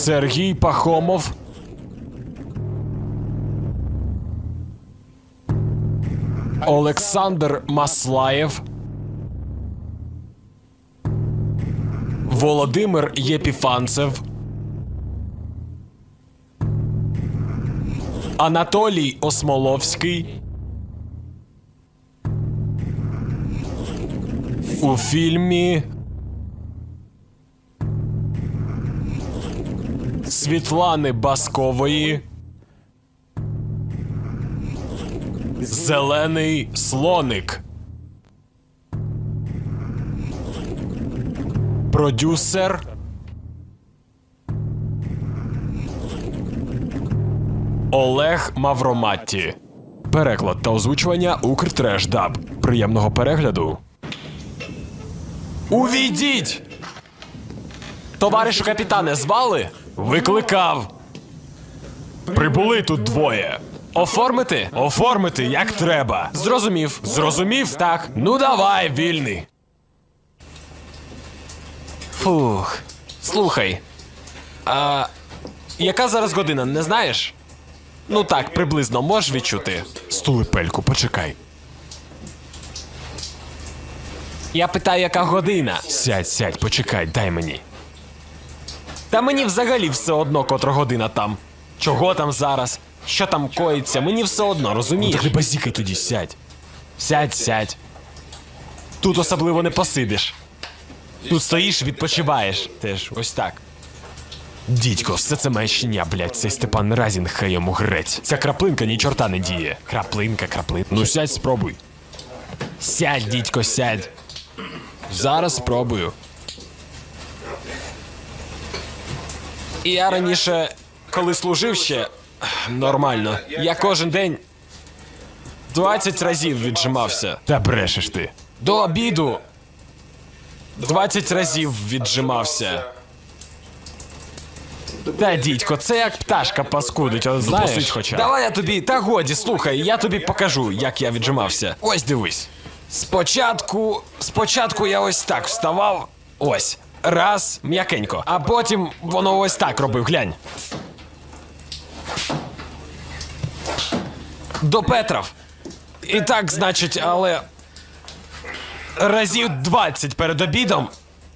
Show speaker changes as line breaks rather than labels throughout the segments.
Сергій Пахомов. Олександр Маслаєв. Володимир Єпіфанцев. Анатолій Осмоловський. У фільмі Світлани Баскової «Зелений слоник». Продюсер Олег Мавроматті. Переклад та озвучування Укртрешдаб. Приємного перегляду. Увійдіть! Товаришу капітане, звали? Викликав. Прибули тут двоє. Оформити? Оформити, як треба. Зрозумів. Зрозумів? Так. Ну давай, вільний. Фух. Слухай. А яка зараз година, не знаєш? Ну так, приблизно можеш відчути. Стулипельку, почекай. Я питаю, яка година? Сядь, почекай, дай мені. Та мені взагалі все одно, котра година там. Чого там зараз? Що там коїться? Мені все одно, розумієш? Ну, так не базікай тоді, сядь. Сядь. Тут особливо не посидиш. Тут стоїш, відпочиваєш. Теж, ось так. Дідько, все це маячня, блядь, цей Степан Разін, хай йому грець. Ця краплинка ні чорта не діє. Краплинка. Ну сядь, спробуй. Сядь, дідько, сядь. Зараз спробую. Я раніше, коли служив ще, нормально. Я кожен день 20 разів віджимався. Та брешеш ти. До обіду 20 разів віджимався. Та, дідько, це як пташка паскудить, от знаєш? Посидь хоча. Давай я тобі, та годі, слухай, я тобі покажу, як я віджимався. Ось дивись. Спочатку я ось так вставав, ось. Раз, м'якенько. А потім воно ось так робив, глянь. До Петров. І так, значить, але разів 20 перед обідом.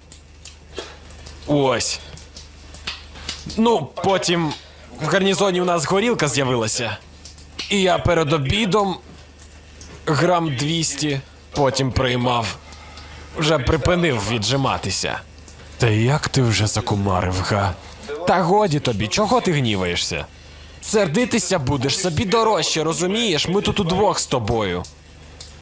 Ось. Ну, потім в гарнізоні у нас горілка з'явилася. І я перед обідом грам 200, потім приймав. Вже припинив віджиматися. Та як ти вже закумарив, га? Та годі тобі, чого ти гніваєшся? Сердитися будеш собі дорожче, розумієш? Ми тут удвох з тобою.